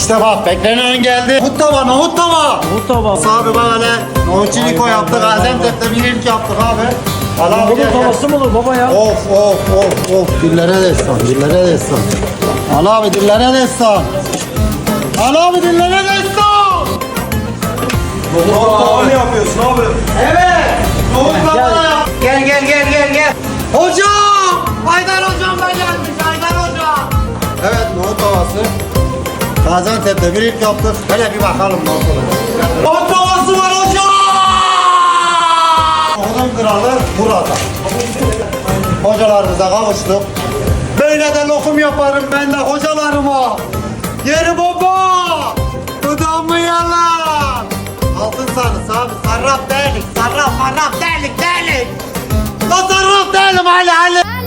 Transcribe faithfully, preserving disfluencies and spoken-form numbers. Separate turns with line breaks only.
İşte bak beklenen geldi. Nohut tava, nohut tava.
Bu tabağı.
Abi bak hele. Nohut çiniko
Vay,
yaptık.
vay, vay,
Gaziantep'te bir ilk yaptık abi. Al abi
Bunun
gel, gel.
tavası mı olur baba ya?
Of of of of. Dillere destan, dillere destan. Al abi dillere destan. Al abi dillere destan.
Nohut tava mı yapıyorsun abi?
Evet. Nohut tava
Gel.
yap. Gel gel gel gel gel. Hocam. Haydar hocam da gelmiş. Haydar hocam. Evet nohut tavası. Gaziantep'te bir ilk yaptık. Hele bir bakalım nohut tavası. Nohut tavası var hocam. Nohutun kralı burada. Hocalarımıza kavuştuk. Böyle de lokum yaparım ben de hocalarıma. Yeri baba. Dudağımı yalan. Altın sarısı abi. Sarraf değilik. Sarraf sarraf değilik değilik. La sarraf değilim hali hali.